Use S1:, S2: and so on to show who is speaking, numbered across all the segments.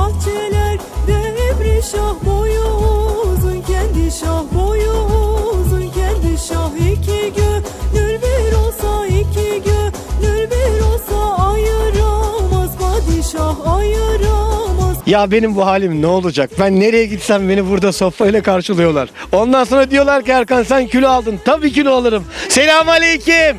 S1: bahçeler devri şah boyu uzun kendi şah boyu uzun kendi şah iki gönül bir olsa iki gönül bir olsa ayıramaz padişah ayıramaz.
S2: Ya benim bu halim ne olacak? Ben nereye gitsem beni burada sofrayla karşılıyorlar. Ondan sonra diyorlar ki Erkan sen kilo aldın. Tabii kilo alırım. Selamünaleyküm.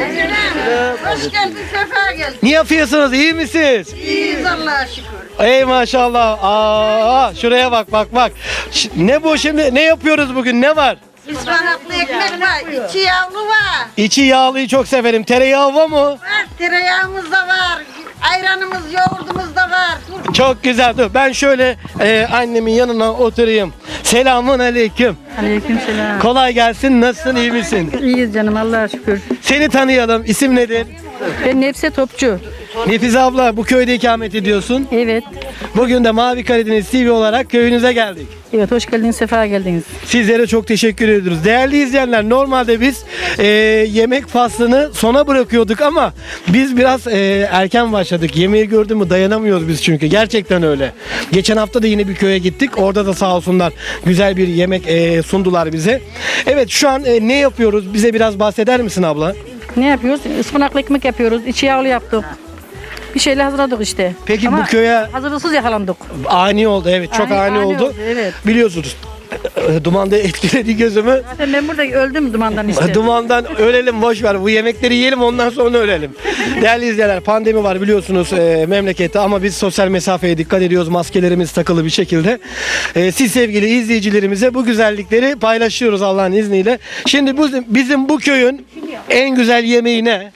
S3: Hoş geldin, sefa geldin.
S2: Ne yapıyorsunuz? İyi misiniz?
S3: İyiyiz Allah'a şükür.
S2: Ey maşallah. Aa, şuraya bak bak bak. Ne bu şimdi? Ne yapıyoruz bugün? Ne var?
S3: İspanaklı ekmek var, içi yağlı var.
S2: İçi yağlıyı çok severim. Tereyağı var mı?
S3: Var, tereyağımız da var. Ayranımız, yoğurdumuz da var.
S2: Çok güzel. Dur ben şöyle annemin yanına oturayım. Selamun aleyküm.
S4: Aleykümselam.
S2: Kolay gelsin. Nasılsın? İyi misin?
S4: İyiyiz canım Allah'a şükür.
S2: Seni tanıyalım. İsim nedir?
S4: Ben Nefse Topçu.
S2: Nefize abla bu köyde ikamet ediyorsun.
S4: Evet.
S2: Bugün de Mavi Karadeniz TV olarak köyünüze geldik.
S4: Evet hoş geldiniz, sefa geldiniz.
S2: Sizlere çok teşekkür ediyoruz. Değerli izleyenler normalde biz yemek faslını sona bırakıyorduk ama biz biraz erken başladık. Yemeği gördün mü dayanamıyoruz biz çünkü. Gerçekten öyle. Geçen hafta da yine bir köye gittik. Orada da sağ olsunlar güzel bir yemek sundular bize. Evet şu an ne yapıyoruz? Bize biraz bahseder misin abla?
S4: Ne yapıyoruz? Ispanaklı ekmek yapıyoruz. İçi yağlı yaptık. Bir şeyler hazırladık işte.
S2: Peki
S4: Ama
S2: bu köye
S4: hazırlıksız yakalandık.
S2: ani oldu. Evet çok ani oldu.
S4: Evet.
S2: Biliyorsunuz. Duman da etkiledi gözümü.
S4: Zaten ben burada öldüm dumandan işte.
S2: Dumandan ölelim boş ver. Bu yemekleri yiyelim ondan sonra ölelim. Değerli izleyenler pandemi var biliyorsunuz memlekette ama biz sosyal mesafeye dikkat ediyoruz. Maskelerimiz takılı bir şekilde. Siz sevgili izleyicilerimize bu güzellikleri paylaşıyoruz Allah'ın izniyle. Şimdi bizim bu köyün en güzel yemeği ne?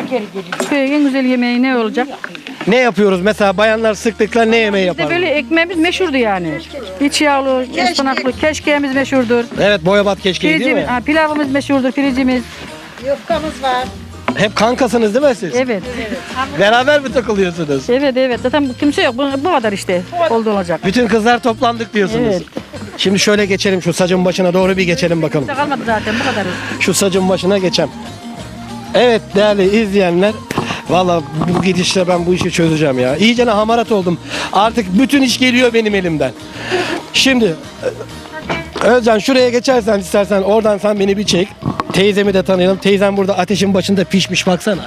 S4: Köyün en güzel yemeği ne olacak?
S2: Ne yapıyoruz? Mesela bayanlar sıklıkla ne yemeği
S4: Bizde
S2: yapar?
S4: böyle ekmeğimiz meşhurdu yani. İçi yağlı, ıspanaklı, keşkeğimiz meşhurdur.
S2: Evet boyabat keşkeği değil mi?
S4: Pilavımız meşhurdur, piricimiz.
S3: Yufkamız var.
S2: Hep kankasınız değil mi siz?
S4: Evet.
S2: Beraber mi takılıyorsunuz?
S4: Evet. Zaten kimse yok. Bu kadar işte. Oldu olacak.
S2: Bütün kızlar toplandık diyorsunuz.
S4: Evet.
S2: Şimdi şöyle geçelim şu sacın başına doğru bir geçelim bakalım.
S4: Kimse kalmadı zaten bu kadar.
S2: Şu sacın başına geçem. Evet değerli izleyenler. Valla bu gidişle ben bu işi çözeceğim ya. İyice hamarat oldum. Artık bütün iş geliyor benim elimden. Şimdi Özcan şuraya geçersen istersen oradan sen beni bir çek. Teyzemi de tanıyalım. Teyzem burada ateşin başında pişmiş baksana.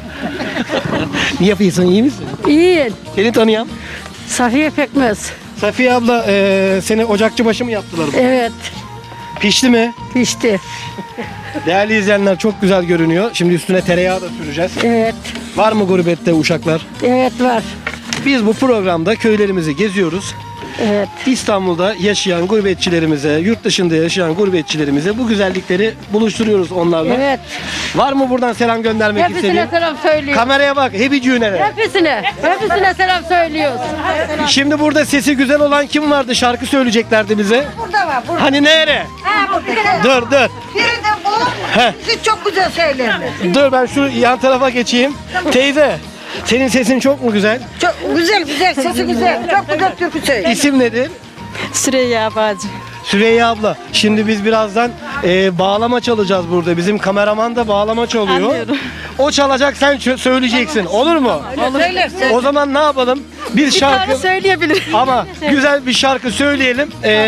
S2: Ne yapıyorsun iyi misin?
S4: İyi.
S2: Seni tanıyam.
S4: Safiye Pekmez.
S2: Safiye abla seni ocakçı başı mı yaptılar?
S4: Evet.
S2: Pişti mi?
S4: Pişti.
S2: Değerli izleyenler çok güzel görünüyor. Şimdi üstüne tereyağı da süreceğiz.
S4: Evet.
S2: Var mı gurbette uşaklar?
S4: Evet var.
S2: Biz bu programda köylerimizi geziyoruz.
S4: Evet.
S2: İstanbul'da yaşayan gurbetçilerimize, yurt dışında yaşayan gurbetçilerimize bu güzellikleri buluşturuyoruz onlarla.
S4: Evet.
S2: Var mı buradan selam göndermek
S4: Hepsine
S2: istediğin?
S4: selam söylüyoruz.
S2: Kameraya bak, hebicüğüne.
S4: Hepsine selam söylüyoruz.
S2: Şimdi burada sesi güzel olan kim vardı? Şarkı söyleyeceklerdi bize.
S3: Burada var, burada.
S2: Hani nere?
S3: Ha, burada.
S2: Dur.
S3: Biri de bu.
S2: Heh.
S3: Siz çok güzel söylerler.
S2: Dur ben şu yan tarafa geçeyim. Teyze, senin sesin çok mu güzel?
S3: Çok güzel, sesi güzel. Çok güzel türkü söylüyor.
S2: İsim nedir?
S4: Süreyya Bacı.
S2: Süreyya abla. Şimdi biz birazdan bağlama çalacağız burada. Bizim kameraman da bağlama çalıyor.
S4: Anlıyorum.
S2: O çalacak sen söyleyeceksin. Olur mu?
S3: Söylersin.
S2: O zaman ne yapalım? Bir şarkı
S4: söyleyebilir.
S2: ama güzel bir şarkı söyleyelim.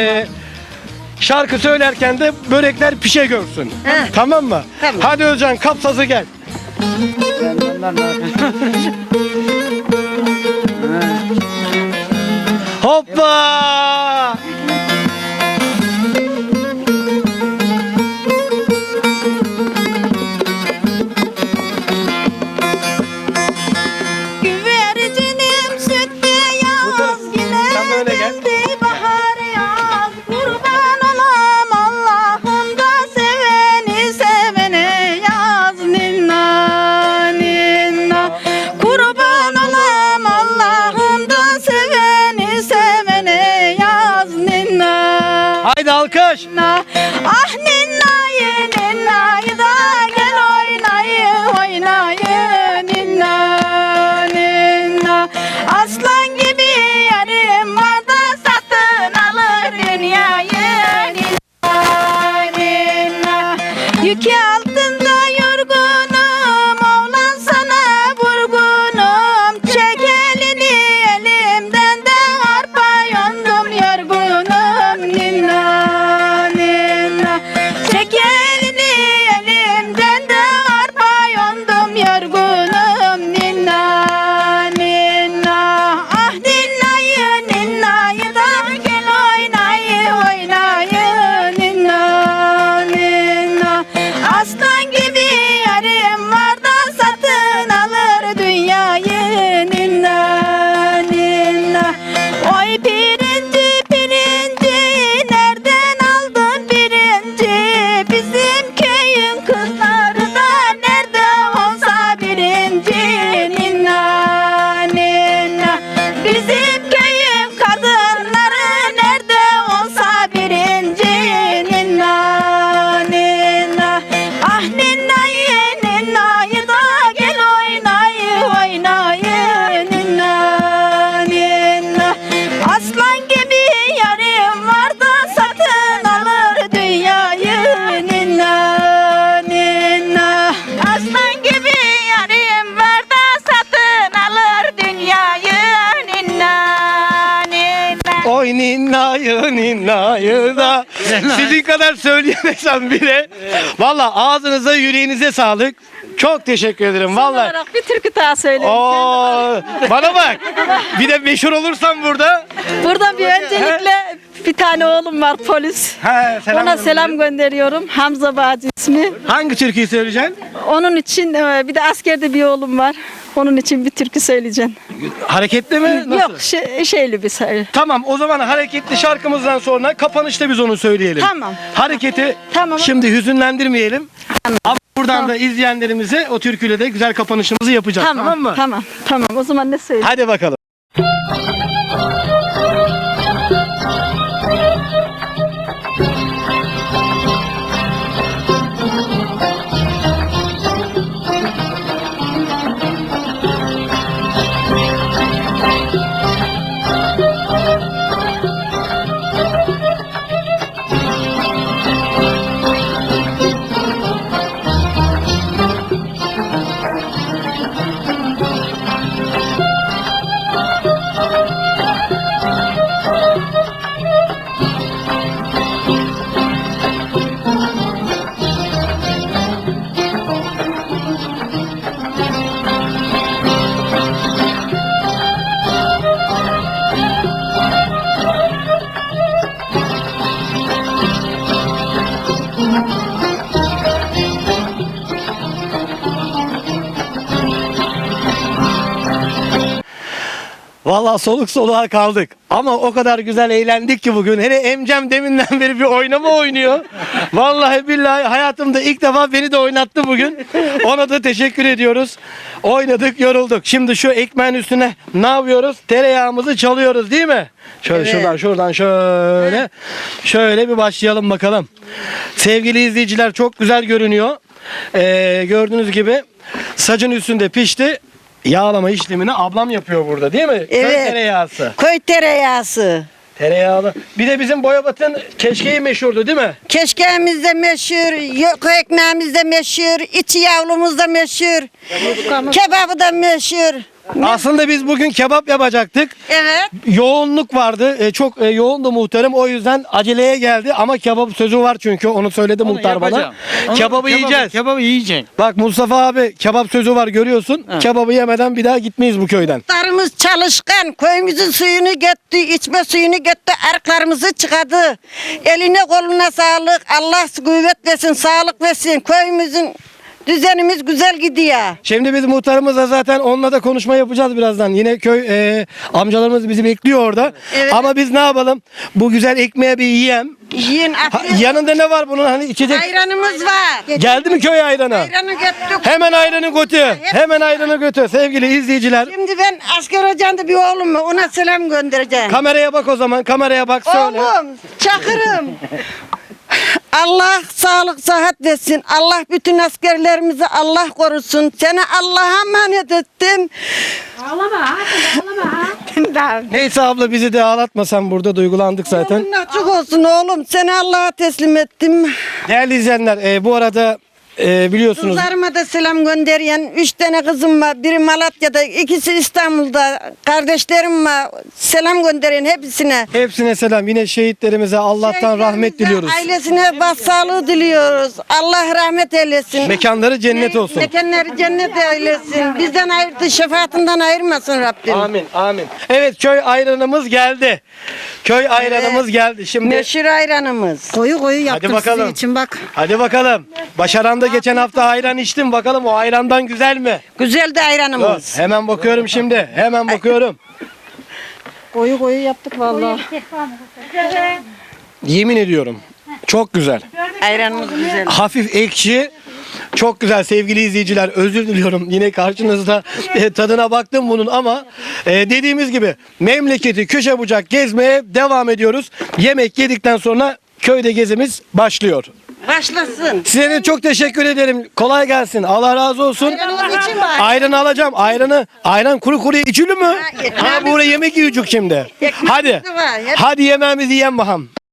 S2: Şarkı söylerken de börekler pişe görsün.
S3: He.
S2: Tamam mı?
S3: Tamam.
S2: Hadi Özcan kap sazı gel. Hoppa!
S1: Güvercinim süt beyaz
S2: Sen böyle gel.
S1: geldi bahar yaz kurban olam Allah'ım da seveni sevene yaz ninna ninna kurban olam Allah'ım da seveni sevene yaz ninna
S2: Haydi alkış.
S1: ah ninnayı ninnayı da gel oynayı ninna ninna aslan gibi yarım var da satın alır dünyayı ninna ninna yükü altında yorgunum oğlan sana vurgunum çek elini elimden de arpa
S2: Oy ninnayı ninnayı da. Sizin kadar söyleyemesem bile. Valla ağzınıza yüreğinize sağlık. Çok teşekkür ederim valla.
S4: Olarak bir türkü daha söyleyeyim.
S2: Oo, bana bak. Bir de meşhur olursam burada.
S4: Buradan bir öncelikle bir tane oğlum var polis.
S2: He,
S4: Ona selam gönderiyorum. Hamza Bağcı ismi.
S2: Hangi türküyü söyleyeceksin?
S4: Onun için bir de askerde bir oğlum var. Onun için bir türkü söyleyeceğim.
S2: Hareketli mi? Nasıl?
S4: Yok şeyli bir söyle.
S2: Tamam o zaman hareketli şarkımızdan sonra kapanışta biz onu söyleyelim.
S4: Tamam.
S2: Hareketi
S4: Tamam.
S2: şimdi hüzünlendirmeyelim. Ama buradan da izleyenlerimize o türküyle de güzel kapanışımızı yapacağız. Tamam mı?
S4: Tamam. O zaman ne söyleyeyim?
S2: Hadi bakalım. Vallahi soluk soluğa kaldık. Ama o kadar güzel eğlendik ki bugün. Hele Emcem deminden beri bir oynama oynuyor. Vallahi billahi hayatımda ilk defa beni de oynattı bugün. Ona da teşekkür ediyoruz. Oynadık, yorulduk. Şimdi şu ekmeğin üstüne ne yapıyoruz? Tereyağımızı çalıyoruz değil mi? Şöyle şuradan şöyle. Şöyle bir başlayalım bakalım. Sevgili izleyiciler çok güzel görünüyor. Gördüğünüz gibi sacın üstünde pişti. Yağlama işlemini ablam yapıyor burada değil mi? Köy
S3: Evet.
S2: tereyağısı.
S3: Koy tereyağısı.
S2: Tereyağlı. Bir de bizim Boyabat'ın keşkeği meşhurdu değil mi?
S3: Keşkeğimiz de meşhur, koy ekmeğimiz de meşhur, içi yavrumuz da meşhur, kebabı da meşhur.
S2: Aslında biz bugün kebap yapacaktık.
S3: Evet.
S2: Yoğunluk vardı. Çok yoğundu muhtarım. O yüzden aceleye geldi. Ama kebap sözü var çünkü. Onu söyledi muhtar bana. Kebabı yiyeceğiz.
S5: Kebabı yiyeceksin.
S2: Bak Mustafa abi kebap sözü var görüyorsun. Kebabı yemeden bir daha gitmeyiz bu köyden.
S3: Muhtarımız çalışkan, köyümüzün suyunu göttü, içme suyunu göttü, arıklarımızı çıkardı. Eline koluna sağlık, Allah kuvvet versin, sağlık versin. Köyümüzün düzenimiz güzel gidiyor.
S2: Şimdi biz muhtarımızla zaten onunla da konuşma yapacağız birazdan. Yine köy amcalarımız bizi bekliyor orada.
S3: Evet.
S2: Ama biz ne yapalım? Bu güzel ekmeğe bir yiyem.
S3: Yiyin, afiyet.
S2: Yanında ne var bunun hani içecek?
S3: Ayranımız var.
S2: Geldi mi köy ayranı?
S3: Ayranı göttük.
S2: Hemen ayranı götür. Hemen ayranı götür sevgili izleyiciler.
S3: Şimdi ben asker hocamda bir oğlum var, ona selam göndereceğim.
S2: Kameraya bak o zaman. Kameraya bak söyle.
S3: Oğlum, Çakır'ım. Allah sağlık sıhhat versin. Allah bütün askerlerimizi Allah korusun. Seni Allah'a emanet ettim.
S2: Neyse abla bizi de ağlatma sen burada duygulandık zaten.
S3: Yolun açık olsun oğlum. Seni Allah'a teslim ettim.
S2: Değerli izleyenler bu arada biliyorsunuz.
S3: Kızlarıma da selam gönderiyen 3 tane kızım var. Biri Malatya'da, ikisi İstanbul'da. Kardeşlerim var. Selam gönderiyen hepsine.
S2: Hepsine selam. Yine şehitlerimize Allah'tan rahmet diliyoruz.
S3: Ailesine başsağlığı diliyoruz. Allah rahmet eylesin.
S2: Mekanları cennet olsun.
S3: Mekanları cennet eylesin. Bizden ayırdı, şefaatinden ayırmasın Rabbim.
S2: Amin, amin. Evet köy ayranımız geldi. Köy ayranımız geldi. Şimdi
S3: Meşhur ayranımız.
S6: Koyu yaptım
S2: bakalım.
S6: sizin için bak.
S2: hadi bakalım. Başaran da geçen hafta ayran içtim. Bakalım o ayrandan güzel mi?
S3: Güzel de
S2: Dur,
S3: ayranımız.
S2: hemen bakıyorum şimdi. Hemen bakıyorum.
S6: Koyu yaptık vallahi.
S2: Yemin ediyorum. Çok güzel.
S3: Ayranımız güzel.
S2: Hafif ekşi. Çok güzel sevgili izleyiciler. Özür diliyorum. Yine karşınızda tadına baktım bunun ama dediğimiz gibi memleketi köşe bucak gezmeye devam ediyoruz. Yemek yedikten sonra köyde gezimiz başlıyor.
S3: Başlasın.
S2: Size de çok teşekkür ederim. Kolay gelsin. Allah razı olsun.
S3: Ayranımız için var.
S2: Ayranı alacağım. Ayran kuru içilir mi? Ha
S3: ekmeğimiz-
S2: buraya yemek yiyecek şimdi.
S3: Ekmeğimiz
S2: Hadi.
S3: de var. Hep-
S2: Hadi yemeğimizi yiyen bakalım.